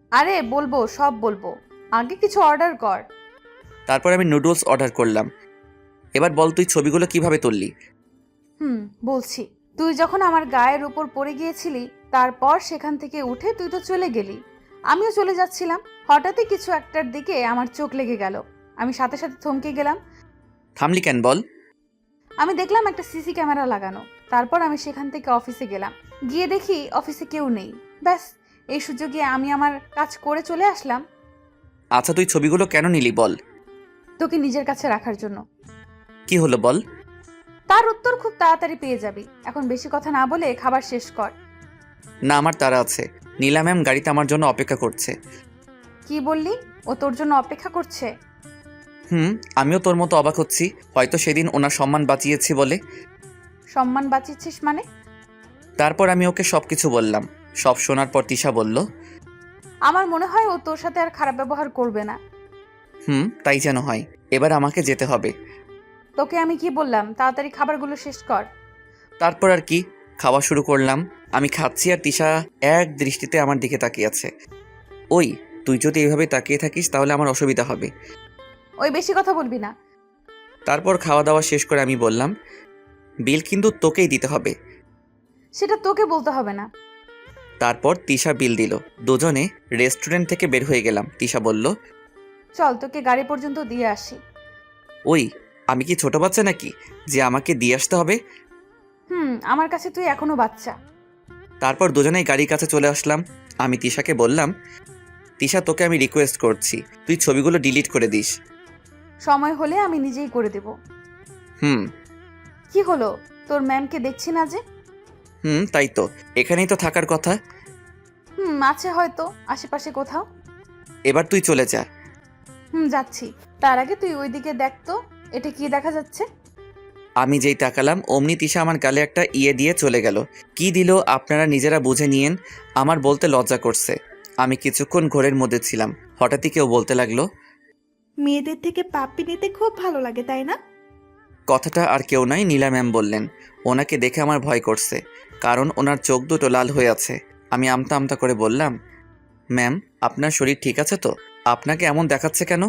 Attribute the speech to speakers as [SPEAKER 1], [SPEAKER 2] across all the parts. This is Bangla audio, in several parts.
[SPEAKER 1] আরে বলবো, সব বলবো, আগে কিছু অর্ডার কর।
[SPEAKER 2] তারপর আমি নুডলস অর্ডার করলাম। এবার বল তুই ছবিগুলো কিভাবে তুললি?
[SPEAKER 1] বলছি। তুই যখন আমার গায়ের উপর পড়ে গিয়েছিলি, তারপর সেখান থেকে উঠে তুই তো চলে গেলি। আমিও চলে যাচ্ছিলাম, হঠাৎই কিছু একটার দিকে আমার চোখ লেগে গেল। আমি সাথে সাথে থমকে গেলাম।
[SPEAKER 2] থামলি কেন বল?
[SPEAKER 1] আমি দেখলাম একটা সিসি ক্যামেরা লাগানো। তারপর আমি সেখান থেকে অফিসে গেলাম। গিয়ে দেখি অফিসে কেউ নেই। ব্যাস, এই সুযোগে আমি আমার কাজ করে চলে আসলাম।
[SPEAKER 2] আচ্ছা, তুই ছবিগুলো কেন নিলি বল?
[SPEAKER 1] তোকে নিজের কাছে রাখার জন্য।
[SPEAKER 2] কি হলো বল?
[SPEAKER 1] তার উত্তর খুব তাড়াতাড়ি পেয়ে যাবি। এখন বেশি কথা না বলে খাবার শেষ কর।
[SPEAKER 2] না, আমার তাড়া আছে। নীলা ম্যাম গাড়িতে আমার জন্য অপেক্ষা করছে।
[SPEAKER 1] কি বললি? ও তোর জন্য অপেক্ষা করছে?
[SPEAKER 2] হুম, আমিও তোর মতো অবাক হচ্ছি। হয়তো সেদিন ওনার সম্মান বাঁচিয়েছি বলে।
[SPEAKER 1] সম্মান বাঁচিয়েছিস মানে?
[SPEAKER 2] তারপর আমি ওকে সব কিছু বললাম। সব শোনার পর তিশা বলল,
[SPEAKER 1] আমার মনে হয় ও তোর সাথে আর খারাপ ব্যবহার করবে না।
[SPEAKER 2] তাই যেন হয়। এবার আমাকে যেতে হবে।
[SPEAKER 1] তোকে আমি কি বললাম, তাড়াতাড়ি খাবারগুলো শেষ কর।
[SPEAKER 2] তারপর আর কি, খাওয়া শুরু করলাম। আমি খাচ্ছি আর তিশা এক দৃষ্টিতে আমার দিকে তাকিয়ে আছে। ওই, তুই যদি এভাবে তাকিয়ে থাকিস তাহলে আমার অসুবিধা হবে।
[SPEAKER 1] ওই বেশি কথা বলবি না।
[SPEAKER 2] তারপর খাওয়া দাওয়া শেষ করে আমি বললাম, বিল কিন্তু তোকেই দিতে হবে।
[SPEAKER 1] সেটা তোকে বলতে হবে না।
[SPEAKER 2] তারপর তিশা বিল দিল। দুজনে রেস্টুরেন্ট থেকে বের হয়ে গেলাম। তিশা বলল,
[SPEAKER 1] চল তোকে গাড়ি পর্যন্ত দিয়ে আসি।
[SPEAKER 2] ওই, আমি কি ছোট বাচ্চা নাকি যে আমাকে দিয়ে আসতে হবে?
[SPEAKER 1] আমার কাছে তুই এখনো বাচ্চা।
[SPEAKER 2] তারপর দুজনেই গাড়ির কাছে চলে আসলাম। আমি তিশাকে বললাম, তিশা তোকে আমি রিকোয়েস্ট করছি, তুই ছবিগুলো ডিলিট করে দিস।
[SPEAKER 1] সময় হলে আমি নিজেই করে দেব।
[SPEAKER 2] হুম।
[SPEAKER 1] কি হলো, তোর ম্যামকে দেখছি না যে?
[SPEAKER 2] তাই তো, এখানেই তো থাকার কথা।
[SPEAKER 1] আছে হয়তো আশেপাশে কোথাও।
[SPEAKER 2] এবার তুই চলে যা।
[SPEAKER 1] যাচ্ছি। তার আগে তুই ওইদিকে দেখ তো, এটা কি দেখা যাচ্ছে?
[SPEAKER 2] আমি যেই তাকালাম অমনি তিশা আমার গালে একটা ইয়ে দিয়ে চলে গেল। কি দিল আপনারা নিজেরা বুঝে নিয়েন, আমার বলতে লজ্জা করছে। আমি কিছুক্ষণ ঘোরের মধ্যে ছিলাম। হঠাৎই কেউ বলতে লাগলো,
[SPEAKER 3] মেয়েদের থেকে পাপ্পি নিতে খুব ভালো লাগে, তাই না?
[SPEAKER 2] কথাটা আর কেউ নয়, নীলা ম্যাম বললেন। ওনাকে দেখে আমার ভয় করছে, কারণ ওনার চোখ দুটো লাল হয়ে আছে। আমি আমতা আমতা করে বললাম, ম্যাম, আপনার শরীর ঠিক আছে তো? আপনাকে এমন দেখাচ্ছে কেন?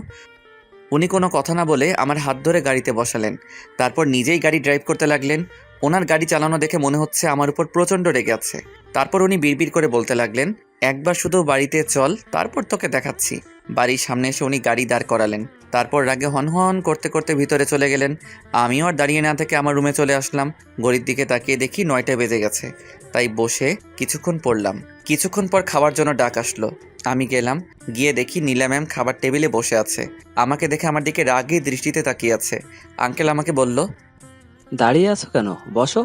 [SPEAKER 2] উনি কোনো কথা না বলে আমার হাত ধরে গাড়িতে বসালেন। তারপর নিজেই গাড়ি ড্রাইভ করতে লাগলেন। ওনার গাড়ি চালানো দেখে মনে হচ্ছে আমার উপর প্রচণ্ড রেগে আছে। তারপর উনি বিড়বিড় করে বলতে লাগলেন, একবার শুধু বাড়িতে চল, তারপর তোকে দেখাচ্ছি। বাড়ির সামনে এসে উনি গাড়ি দাঁড় করালেন। তারপর রাগে হনহন করতে করতে ভিতরে চলে গেলেন। আমিও আর দাঁড়িয়ে না থেকে আমার রুমে চলে আসলাম। ঘড়ির দিকে তাকিয়ে দেখি 9টা বেজে গেছে। তাই বসে কিছুক্ষণ পড়লাম। কিছুক্ষণ পর খাওয়ার জন্য ডাক আসলো। আমি গেলাম। গিয়ে দেখি নীলা ম্যাম খাবার টেবিলে বসে আছে। আমাকে দেখে আমার দিকে রাগী দৃষ্টিতে তাকিয়ে আছে। আঙ্কেল আমাকে বলল,
[SPEAKER 4] দাঁড়িয়ে আছো কেন, বসো।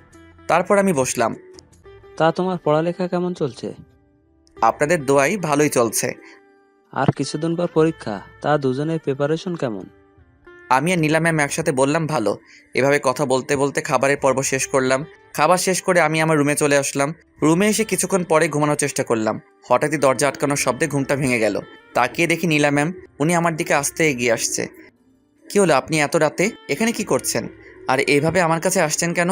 [SPEAKER 2] তারপর আমি বসলাম।
[SPEAKER 4] তা তোমার পড়ালেখা কেমন চলছে?
[SPEAKER 2] আপনাদের দোয়াই ভালোই চলছে।
[SPEAKER 4] আর কিছুদিন পর পরীক্ষা, তা দুজনের প্রিপারেশন কেমন?
[SPEAKER 2] আমি আর নীলা ম্যাম একসাথে বললাম ভালো। এভাবে কথা বলতে বলতে খাবারের পর্ব শেষ করলাম। খাবার শেষ করে আমি আমার রুমে চলে আসলাম। রুমে এসে কিছুক্ষণ পরে ঘুমানোর চেষ্টা করলাম। হঠাৎই দরজা আটকানোর শব্দে ঘুমটা ভেঙে গেল। তাকিয়ে দেখি নীলা ম্যাম। উনি আমার দিকে আস্তে এগিয়ে আসছে। কি হলো, আপনি এত রাতে এখানে কি করছেন? আর এইভাবে আমার কাছে আসছেন কেন?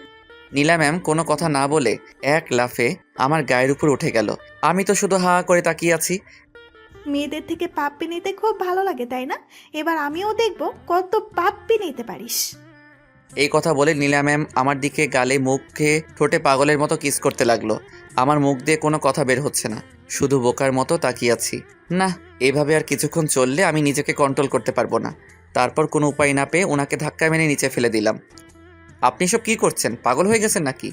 [SPEAKER 2] নীলা ম্যাম কোনো কথা না বলে এক লাফে আমার গায়ের উপর উঠে গেল। আমি তো শুধু হা করে তাকিয়ে আছি।
[SPEAKER 3] মেয়েদের থেকে পাপ্পি নিতে খুব ভালো লাগে, তাই না? এবার আমিও দেখবো কত পাপ্পি নিতে পারিস।
[SPEAKER 2] এই কথা বলে নীলা ম্যাম আমার দিকে গালে মুখে ঠোঁটে পাগলের মতো কিস করতে লাগলো। আমার মুখ দিয়ে কোনো কথা বের হচ্ছে না, শুধু বোকার মতো তাকিয়ে আছি। না, এভাবে আর কিছুক্ষণ চললে আমি নিজেকে কন্ট্রোল করতে পারবো না। তারপর কোনো উপায় না পেয়ে ওনাকে ধাক্কা মেরে নিচে ফেলে দিলাম। আপনি সব কি করছেন? পাগল হয়ে গেছেন নাকি?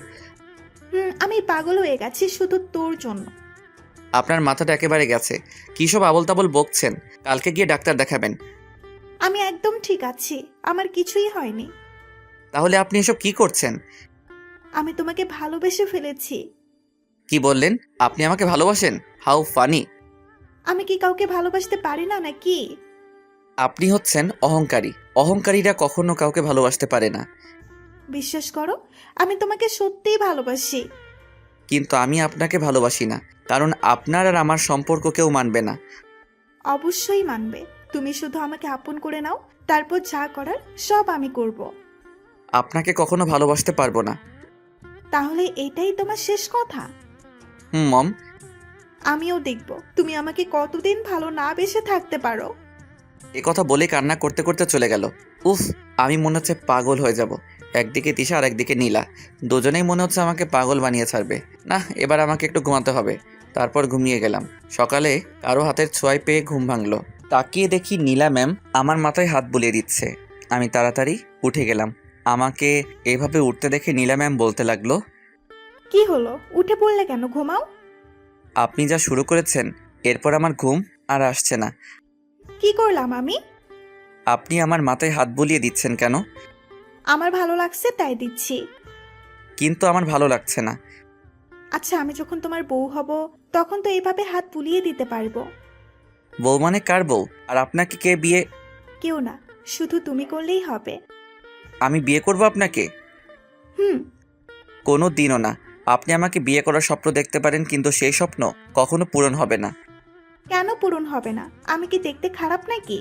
[SPEAKER 3] আমি পাগল হয়ে গেছি শুধু তোর জন্য।
[SPEAKER 2] আপনার মাথাটা একেবারে গেছে। কী সব আবোল তাবোল বকছেন? কালকে গিয়ে ডাক্তার দেখাবেন।
[SPEAKER 3] আমি একদম ঠিক আছি, আমার কিছুই হয়নি।
[SPEAKER 2] তাহলে আপনি এসব কি করছেন?
[SPEAKER 3] আমি তোমাকে ভালোবেসে ফেলেছি।
[SPEAKER 2] কি বললেন? আপনি আমাকে ভালোবাসেন? How funny!
[SPEAKER 3] আমি কি কাউকে ভালোবাসতে পারি না নাকি?
[SPEAKER 2] আপনি হচ্ছেন অহংকারী। অহংকারীরা কখনো কাউকে ভালোবাসতে পারে না।
[SPEAKER 3] বিশ্বাস করো, আমি তোমাকে সত্যিই ভালোবাসি।
[SPEAKER 2] কিন্তু আমি আপনাকে ভালোবাসি না, কারণ আপনার আর আমার সম্পর্ক কেউ মানবে না।
[SPEAKER 3] অবশ্যই মানবে। তুমি শুধু আমাকে আপন করে নাও, তারপর যা করার সব আমি করব।
[SPEAKER 2] আপনাকে কখনো ভালোবাসতে পারবো না।
[SPEAKER 3] তাহলে এটাই তোমার শেষ কথা?
[SPEAKER 2] মম।
[SPEAKER 3] আমিও দেখব তুমি আমাকে কতদিন ভালো না বেসে থাকতে পারো।
[SPEAKER 2] এ কথা বলে কান্না করতে করতে চলে গেল। উফ, আমি মনে হচ্ছে পাগল হয়ে যাব। একদিকে তিশা আর একদিকে নীলা, দুজনেই মনে হচ্ছে আমাকে পাগল বানিয়ে ছাড়বে। না, এবার আমাকে একটু ঘুমাতে হবে। তারপর ঘুমিয়ে গেলাম। সকালে কারো হাতের ছোঁয়ায় পেয়ে ঘুম ভাঙলো। তাকিয়ে দেখি নীলা ম্যাম আমার মাথায় হাত বুলিয়ে দিচ্ছে। আমি তাড়াতাড়ি উঠে গেলাম। আমাকে এভাবে উঠতে দেখে নীলা ম্যাম বলতে লাগলো,
[SPEAKER 3] কি হলো, উঠে পড়লে কেন? ঘুমাও।
[SPEAKER 2] আপনি যা শুরু করেছেন এরপর আমার ঘুম আর আসছে না।
[SPEAKER 3] কি করলাম আমি?
[SPEAKER 2] আপনি আমার মাথায় হাত বুলিয়ে দিচ্ছেন কেন?
[SPEAKER 3] আমার ভালো লাগছে তাই দিচ্ছি।
[SPEAKER 2] কিন্তু আমার ভালো লাগছে না।
[SPEAKER 3] আচ্ছা, আমি যখন তোমার বউ হব তখন তো এইভাবে হাত বুলিয়ে দিতে পারবো।
[SPEAKER 2] বউ মানে কার বউ? আর আপনাকে কে বিয়ে?
[SPEAKER 3] কেউ না, শুধু তুমি করলেই হবে।
[SPEAKER 2] আমি বিয়ে করব আপনাকে?
[SPEAKER 3] হুম।
[SPEAKER 2] কোনো দিনও না। আপনি আমাকে বিয়ে করার স্বপ্ন দেখতে পারেন, কিন্তু সেই স্বপ্ন কখনো পূরণ হবে না।
[SPEAKER 3] কেন পূরণ হবে না? আমি কি দেখতে খারাপ নাকি?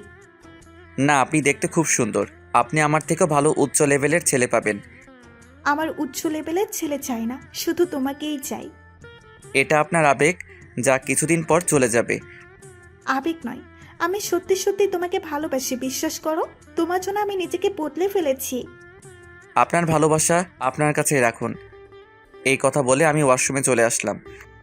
[SPEAKER 2] না, আপনি দেখতে খুব সুন্দর। আপনি আমার থেকেও ভালো উচ্চ লেভেলের ছেলে পাবেন।
[SPEAKER 3] আমার উচ্চ লেভেলের ছেলে চাই না, শুধু তোমাকেই চাই।
[SPEAKER 2] এটা আপনার আবেগ, যা কিছুদিন পর চলে যাবে।
[SPEAKER 3] আবেগ নয়, আমি সত্যি সত্যি তোমাকে ভালোবাসি, বিশ্বাস করো। তোমার জন্য আমি নিজেকে বদলে ফেলেছি।
[SPEAKER 2] আপনার ভালোবাসা আপনার কাছে রাখুন। এই কথা বলে আমি ওয়াশরুমে চলে আসলাম।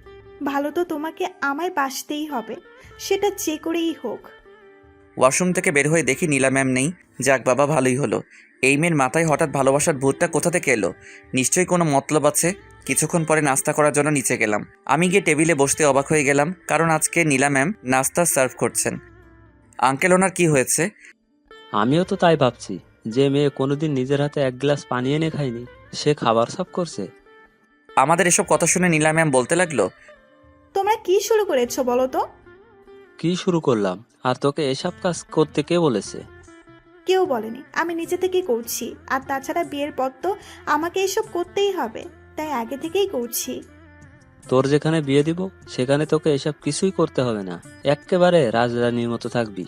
[SPEAKER 3] ভালো তো তোমাকে আমায় বাসতেই হবে, সেটা যে করেই হোক।
[SPEAKER 2] ওয়াশরুম থেকে বের হয়ে দেখি নীলা ম্যাম নেই। যাক বাবা, ভালোই হলো। এই মেয়ের মাথায় হঠাৎ ভালোবাসার ভূতটা কোথা থেকে এলো? নিশ্চয়ই কোনো মতলব আছে। কিছুক্ষণ পরে নাস্তা করার জন্য নিচে গেলাম। আমি গিয়ে টেবিলে বসতে অবাক হয়ে গেলাম, কারণ আজকে নীলা ম্যাম নাস্তা সার্ভ করছেন। আঙ্কেল, ওনার কি হয়েছে?
[SPEAKER 4] আমিও তো তাই ভাবছি, যে মেয়ে কোনোদিন নিজের হাতে এক গ্লাস পানি এনে খায়নি, সে খাবার সাফ করছে।
[SPEAKER 2] আমাদের এসব কথা শুনে নীলা ম্যাম বলতে লাগলো,
[SPEAKER 3] তোমরা কি শুরু করেছো বলো তো?
[SPEAKER 4] কি শুরু করলাম? আর তোকে এসব কাজ করতে কে বলেছে?
[SPEAKER 3] কেউ বলেনি, আমি নিজে থেকেই করছি। আর তাছাড়া বিয়ের পর তো আমাকে এসব করতেই হবে, তাই আগে থেকেই করছি।
[SPEAKER 4] তোর যেখানে বিয়ে দিব সেখানে তোকে এসব কিছুই করতে হবে না, এক্কেবারে রাজরানীর মতো থাকবি।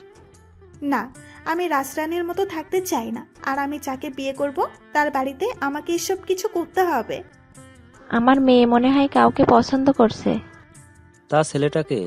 [SPEAKER 3] না, আমি রাজরানীর মতো থাকতে চাই না। আর আমি যাকে বিয়ে করব তার বাড়িতে আমাকে এসব কিছু করতে হবে।
[SPEAKER 5] আমার মেয়ে মনে হয় কাউকে পছন্দ করছে।
[SPEAKER 4] তা ছেলেটাকে?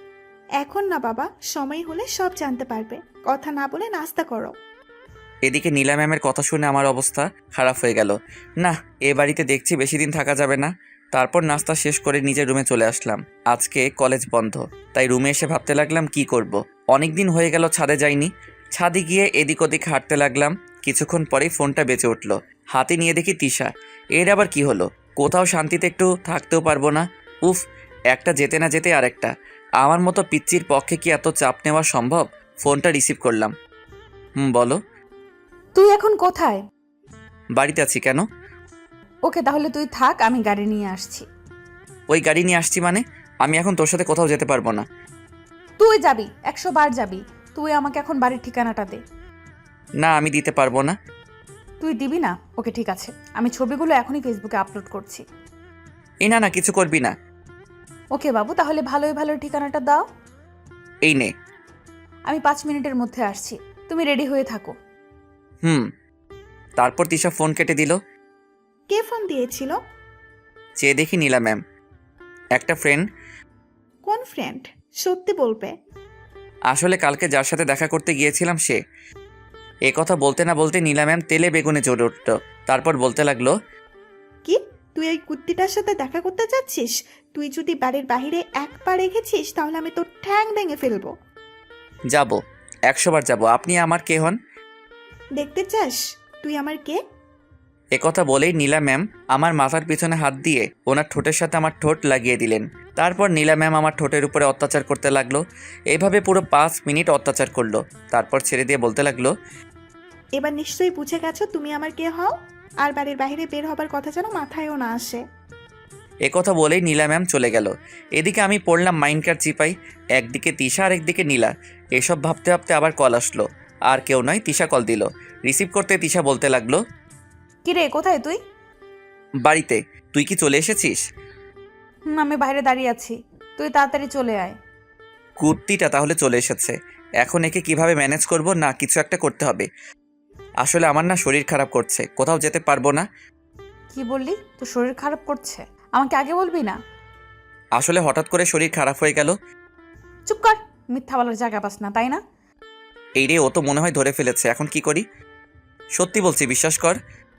[SPEAKER 3] এখন না বাবা, সময় হলে সব জানতে পারবে। কথা না বলে নাস্তা করো।
[SPEAKER 2] এদিকে নীলা ম্যামের কথা শুনে আমার অবস্থা খারাপ হয়ে গেল। না, এ বাড়িতে দেখছি বেশি দিন থাকা যাবে না। তারপর নাস্তা শেষ করে নিজের রুমে চলে আসলাম। আজকে কলেজ বন্ধ, তাই রুমে এসে ভাবতে লাগলাম কি করব। অনেক দিন হয়ে গেল ছাদে যাইনি। ছাদে গিয়ে এদিক ওদিক হাঁটতে লাগলাম। কিছুক্ষণ পরেই ফোনটা বেজে উঠল। হাতে নিয়ে দেখি তিশা। এর আবার কি হলো? কোথাও শান্তিতে একটু থাকতেও পারবো না। উফ, একটা যেতে না যেতে আরেকটা। আমার মতো পিচ্চির পক্ষে কি এত চাপ নেওয়া সম্ভব? ফোনটা রিসিভ করলাম। বলো।
[SPEAKER 1] তুই এখন কোথায়?
[SPEAKER 2] বাড়িতে আছি। কেন?
[SPEAKER 1] ওকে, তাহলে তুই থাক, আমি গাড়ি নিয়ে আসছি।
[SPEAKER 2] ওই গাড়ি নিয়ে আসছি মানে? আমি এখন তোর সাথে কোথাও যেতে পারবো না।
[SPEAKER 1] তুই যাবি, 100 বার যাবি। তুই আমাকে এখন বাড়ির ঠিকানাটা দে।
[SPEAKER 2] না, আমি দিতে পারবো না।
[SPEAKER 1] তুই দিবি না? ওকে ঠিক আছে, আমি ছবিগুলো এখনই ফেসবুকে আপলোড করছি।
[SPEAKER 2] এই না, কিছু করবি না।
[SPEAKER 1] ওকে বাবু, তাহলে ভালোই ভালো ঠিকানাটা দাও।
[SPEAKER 2] এই নে।
[SPEAKER 1] আমি 5 মিনিটের মধ্যে আসছি, তুমি রেডি হয়ে থাকো।
[SPEAKER 2] তারপর তিশা ফোন কেটে দিল।
[SPEAKER 3] কে ফোন দিয়েছিল?
[SPEAKER 2] চেয়ে দেখি নীলা ম্যাম। একটা ফ্রেন্ড।
[SPEAKER 3] কোন ফ্রেন্ড? সত্যি বলবে?
[SPEAKER 2] আসলে কালকে যার সাথে দেখা করতে গিয়েছিলাম সে। এ কথা বলতে না বলতে নীলা ম্যাম তেলে বেগুনে চড়ে উঠল। তারপর বলতে লাগলো,
[SPEAKER 3] কি, তুই ওই কুত্তিটার সাথে দেখা করতে যাচ্ছিস? তুই যদি বাড়ির বাইরে এক পা রেখেছিস তাহলে আমি তোর ঠ্যাং ভেঙে ফেলবো।
[SPEAKER 2] যাব, 100 বার যাব। আপনি আমার কে হন?
[SPEAKER 3] দেখতে চাস তুই আমার কে?
[SPEAKER 2] এ কথা বলেই নীলা ম্যাম আমার মাথার পিছনে হাত দিয়ে ওনার ঠোঁটের সাথে আমার ঠোঁট লাগিয়ে দিলেন। তারপর নীলা ম্যাম আমার ঠোঁটের উপরে অত্যাচার করতে লাগলো। এইভাবে পুরো 5 মিনিট অত্যাচার করলো। তারপর ছেড়ে দিয়ে বলতে লাগলো,
[SPEAKER 3] এবার নিশ্চয়ই বুঝে গেছো তুমি আমার কে হও। আর বাড়ির বাইরে বের হবার কথা যেন মাথায়ও না আসে।
[SPEAKER 2] এ কথা বলেই নীলা ম্যাম চলে গেল। এদিকে আমি পড়লাম মাইন্ডকার চিপাই। একদিকে তিশা আর একদিকে নীলা। এসব ভাবতে ভাবতে আবার কল আসলো। আর কেউ নয়, তিশা কল দিল। রিসিভ করতে তিশা বলতে লাগলো,
[SPEAKER 1] কিরে, কোথায় তুই?
[SPEAKER 2] বাড়িতে। তুই কি চলে এসেছিস?
[SPEAKER 1] আমি বাইরে দাঁড়িয়ে আছি, তুই তাড়াতাড়ি চলে আয়।
[SPEAKER 2] কুর্তিটা তাহলে চলে এসেছে। এখন একে কিভাবে ম্যানেজ করব? না, কিছু একটা করতে হবে। আসলে আমার না শরীর খারাপ করছে, কোথাও যেতে পারবো না।
[SPEAKER 1] কি বললি? তোর শরীর খারাপ করছে? আমাকে আগে বলবি না?
[SPEAKER 2] আসলে হঠাৎ করে শরীর খারাপ হয়ে গেল।
[SPEAKER 1] চুপ কর, মিথ্যা বলার জায়গা পাস না, তাই না?
[SPEAKER 2] এই রে, ও তো মনে হয় ধরে ফেলেছে। এখন কি করি? সত্যি বলছি, বিশ্বাস কর।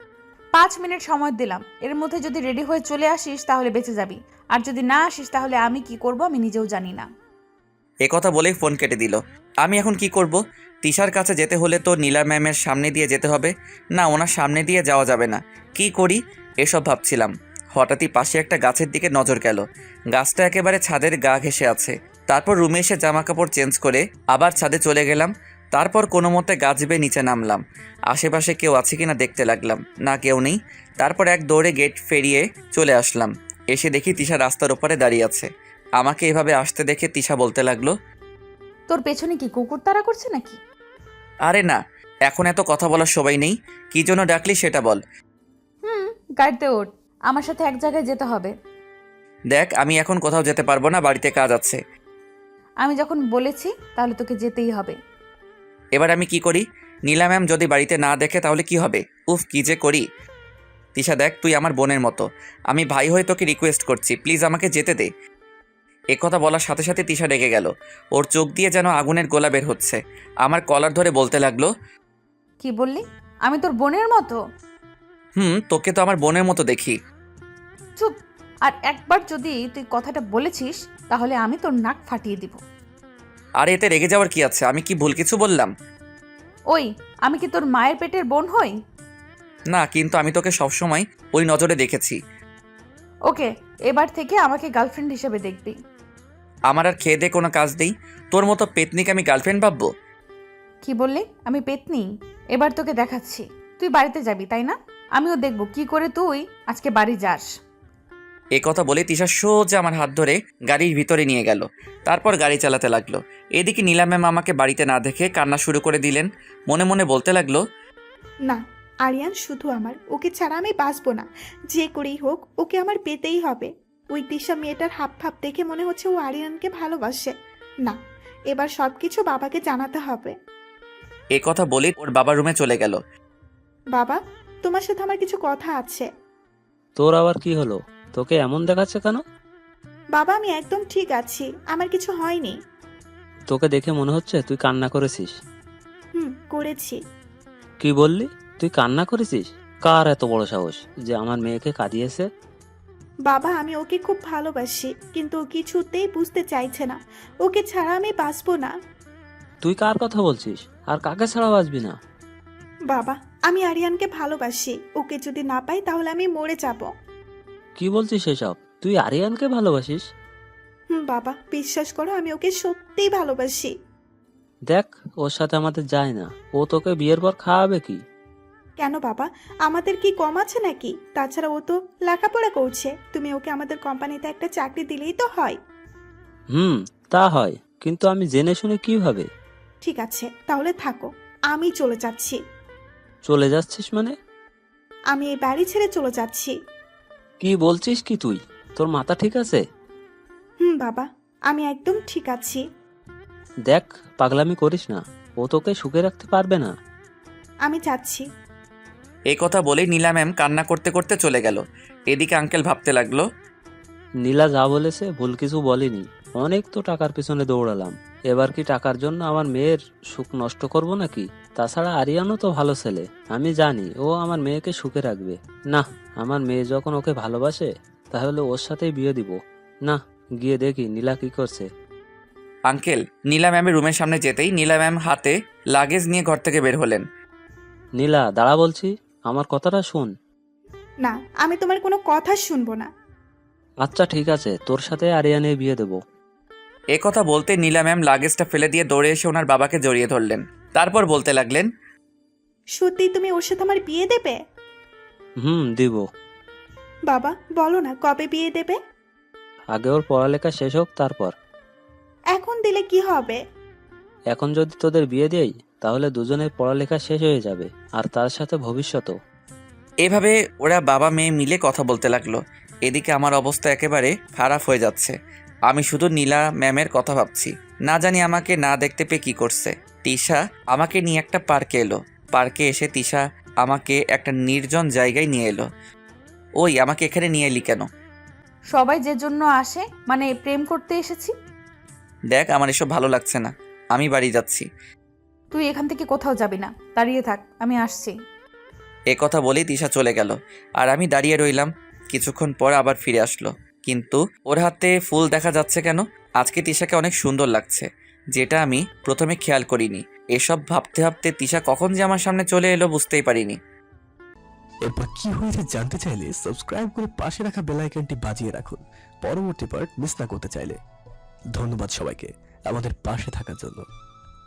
[SPEAKER 1] 5 মিনিট সময় দিলাম, এর মধ্যে যদি রেডি হয়ে চলে আসিস তাহলে বেঁচে যাবি, আর যদি না আসিস তাহলে আমি কি করব আমি নিজেও জানি না।
[SPEAKER 2] এ কথা বলেই ফোন কেটে দিল। আমি এখন কি করব? তিশার কাছে যেতে হলে তো নীলা ম্যামের সামনে দিয়ে যেতে হবে। না, ওনার সামনে দিয়ে যাওয়া যাবে না। কি করি এসব ভাবছিলাম, হঠাৎই পাশে একটা গাছের দিকে নজর গেল। গাছটা একেবারে ছাদের গা ঘেঁষে আছে। তারপর রুমে এসে জামা কাপড় চেঞ্জ করে আবার ছাদে চলে গেলাম। তারপর কোনো মতে গাছ বেয়ে নিচে নামলাম। আশেপাশে কেউ আছে কিনা দেখতে লাগলাম, না কেউ নেই। তারপর এক দৌড়ে গেট ফেরিয়ে চলে আসলাম। এসে দেখি তিশা রাস্তার ওপারে দাঁড়িয়ে আছে। আমাকে এভাবে আসতে দেখে তিশা বলতে লাগলো,
[SPEAKER 1] তোর পেছনে কি কুকুর তাড়া করছে নাকি?
[SPEAKER 2] আরে না, এখন এত কথা বলার সময় নেই। কী জন্য ডাকলি সেটা বল।
[SPEAKER 1] গাড়িতে ওঠ, আমার সাথে এক জায়গায় যেতে হবে।
[SPEAKER 2] দেখ, আমি এখন কোথাও যেতে পারবো না, বাড়িতে কাজ আছে।
[SPEAKER 1] আমি যখন বলেছি তাহলে তোকে যেতেই হবে।
[SPEAKER 2] এবার আমি কি করি? নীলা ম্যাম যদি বাড়িতে না দেখে তাহলে কি হবে? উফ, কি যে করি। তিশা দেখ, তুই আমার বোনের মতো। আমি ভাই হয়ে তোকে রিকোয়েস্ট করছি, প্লিজ আমাকে যেতে দে। কথা বলার সাথে সাথে তিশা রেগে গেল। ওর চোখ দিয়ে যেন আগুনের গোলা বের হচ্ছে। আমার কলার ধরে বলতে লাগলো,
[SPEAKER 1] কি বললি? আমি তোর বোনের মতো?
[SPEAKER 2] তোকে তো আমার বোনের মতো দেখি।
[SPEAKER 1] চুপ! আর একবার যদি তুই কথাটা বলেছিস তাহলে আমি তোর নাক ফাটিয়ে দিব।
[SPEAKER 2] আর এতে রেগে যাওয়ার কি আছে? আমি কি ভুল কিছু বললাম?
[SPEAKER 1] ওই, আমি কি তোর মায়ের পেটের বোন হই?
[SPEAKER 2] না, কিন্তু আমি তোকে সবসময় ওই নজরে দেখেছি।
[SPEAKER 1] ওকে, এবার থেকে আমাকে গার্লফ্রেন্ড হিসেবে দেখবি।
[SPEAKER 2] আমার আর খেয়ে দিয়ে কোনো কাজ নেই। তোর মতো পেতনিকে আমি গার্লফ্রেন্ড ভাববো?
[SPEAKER 1] কি বললি? আমি পেতনি? এবার তোকে দেখাচ্ছি। তুই বাড়িতে যাবি তাই না? আমিও দেখব কি করে তুই আজকে বাড়ি যাস।
[SPEAKER 2] কথা বলে তিশা সোজা আমার হাত ধরে গাড়ির ভিতরে নিয়ে গেল। তারপর গাড়ি চালাতে লাগলো। এদিকে নীলা ম্যাম আমাকে বাড়িতে না দেখে কান্না শুরু করে দিলেন। মনে মনে বলতে লাগলো,
[SPEAKER 3] না, আরিয়ান শুধু আমার, ওকে ছাড়া আমি বাঁচবো না। যে করেই হোক ওকে আমার পেতেই হবে। ওই তিশা মেয়েটার হাব ভাব দেখে মনে হচ্ছে ও আরিয়ানকে ভালোবাসে। না, এবার সব কিছু বাবাকে জানাতে হবে।
[SPEAKER 2] কথা বলে ওর বাবার রুমে চলে গেল।
[SPEAKER 3] বাবা, তোমার সাথে আমার কিছু কথা আছে।
[SPEAKER 4] তোর আবার কি হলো? তোকে এমন দেখাচ্ছে কেন?
[SPEAKER 3] বাবা, আমি একদম ঠিক আছি, আমার কিছু হয়নি।
[SPEAKER 4] তোকে দেখে মনে হচ্ছে তুই কান্না করেছিস।
[SPEAKER 3] করেছি।
[SPEAKER 4] কি বললি? তুই কান্না করেছিস? কার এত বড় সাহস যে আমার মেয়েকে কাঁদিয়েছে?
[SPEAKER 3] বাবা, আমি ওকে খুব ভালোবাসি, কিন্তু ও কিছুতেই বুঝতে চাইছে না। ওকে ছাড়া আমি বাঁচবো না।
[SPEAKER 4] তুই কার কথা বলছিস? আর কাকে ছাড়া বাঁচবি না?
[SPEAKER 3] বাবা, আমি আরিয়ানকে ভালোবাসি। ওকে যদি না পাই তাহলে আমি মরে যাব।
[SPEAKER 4] কি বলছিস এসব? তুই আরিয়ানকে ভালোবাসিস?
[SPEAKER 3] বাবা, বিশ্বাস করো, আমি ওকে সত্যিই ভালোবাসি।
[SPEAKER 4] দেখ, ওর সাথে আমাদের যায় না। ও তোকে বিয়ের পর খাওয়াবে কি?
[SPEAKER 3] কেন বাবা, আমাদের কি কম আছে নাকি? তাছাড়া ও তো লেখাপড়া করছে। তুমি ওকে আমাদের কোম্পানিতে একটা চাকরি দিলেই তো হয়।
[SPEAKER 4] তা হয়, কিন্তু আমি জেনে শুনে কিভাবে?
[SPEAKER 3] ঠিক আছে, তাহলে থাকো, আমি চলে যাচ্ছি।
[SPEAKER 4] চলে যাচ্ছিস মানে?
[SPEAKER 3] আমি এই বাড়ি ছেড়ে চলে যাচ্ছি।
[SPEAKER 4] কি বলছিস কি তুই? তোর মাথা ঠিক আছে?
[SPEAKER 3] বাবা, আমি একদম ঠিক আছি।
[SPEAKER 4] দেখ, পাগলামি করিস না। ও তোকে সুখে রাখতে পারবে না।
[SPEAKER 3] আমি যাচ্ছি।
[SPEAKER 2] কথা বলেই নীলা ম্যাম কান্না করতে করতে চলে গেল। এদিকে আঙ্কেল ভাবতে লাগলো,
[SPEAKER 4] নীলা যা বলেছে ভুল কিছু বলেনি। অনেক তো টাকার পিছনে দৌড়ালাম, এবার কি টাকার জন্য আমার মেয়ের সুখ নষ্ট করব নাকি? তাছাড়া আরিয়ানও তো ভালো ছেলে, আমি জানি ও আমার মেয়েকে সুখে রাখবে। না, আমার মেয়ে যখন ওকে ভালোবাসে তাহলে ওর সাথেই বিয়ে দিব। না, গিয়ে দেখি নীলা কি করছে।
[SPEAKER 2] আঙ্কেল নীলা ম্যামের রুমের সামনে যেতেই নীলা ম্যাম হাতে লাগেজ নিয়ে ঘর থেকে বের হলেন।
[SPEAKER 4] নীলা, দাঁড়া বলছি, আমার কথাটা শোন।
[SPEAKER 3] না, আমি তোমার কোনো কথা শুনবো না।
[SPEAKER 4] আচ্ছা ঠিক আছে, তোর সাথে আরিয়ানের বিয়ে দেবো।
[SPEAKER 2] কথা বলতে নীলা ম্যাম লাগেজটা ফেলে দিয়ে দৌড়ে এসে ওনার বাবাকে জড়িয়ে ধরলেন। তারপর বলতে লাগলেন,
[SPEAKER 3] সত্যি তুমি ওর সাথে আমার বিয়ে দেবে?
[SPEAKER 4] দিব।
[SPEAKER 3] বাবা, বলো না কবে বিয়ে দেবে?
[SPEAKER 4] আগে ওর পড়ালেখা শেষ হোক তারপর।
[SPEAKER 3] এখন দিলে কি হবে?
[SPEAKER 4] এখন যদি তোদের বিয়ে দেই তাহলে দুজনের পড়ালেখা শেষ হয়ে যাবে, আর তার সাথে ভবিষ্যতও।
[SPEAKER 2] এভাবে ওরা বাবা মেয়ে মিলে কথা বলতে লাগলো। এদিকে আমার অবস্থা একেবারে খারাপ হয়ে যাচ্ছে। আমি শুধু নীলা ম্যামের কথা ভাবছি। না জানি আমাকে না দেখতে পেয়ে কী করছে। তিশা আমাকে নিয়ে একটা পার্কে এলো। পার্কে এসে তিশা আমাকে একটা নির্জন জায়গায় নিয়ে এলো। ওই, আমাকে এখানে নিয়ে এলি কেন?
[SPEAKER 1] সবাই যে জন্য আসে, মানে প্রেম করতে এসেছি।
[SPEAKER 2] দেখ আমার এসব ভালো লাগছে না, আমি বাড়ি যাচ্ছি।
[SPEAKER 1] তুই এখান থেকে কোথাও যাবি না, দাঁড়িয়ে থাক, আমি আসছি।
[SPEAKER 2] এ কথা বলেই তিশা চলে গেল, আর আমি দাঁড়িয়ে রইলাম। কিছুক্ষণ পর আবার ফিরে আসলো, কিন্তু ওর হাতে ফুল দেখা যাচ্ছে কেন? আজকে তিশাকে অনেক সুন্দর লাগছে, যেটা আমি প্রথমে খেয়াল করিনি। এসব ভাবতে ভাবতে তিশা কখন যে আমার সামনে চলে এলো বুঝতেই পারিনি।
[SPEAKER 6] এরপর কি হয়েছে জানতে চাইলে সাবস্ক্রাইব করে পাশে রাখা বেল আইকনটি বাজিয়ে রাখুন পরবর্তী পার্ট মিস না করতে চাইলে। ধন্যবাদ সবাইকে আমাদের পাশে থাকার জন্য।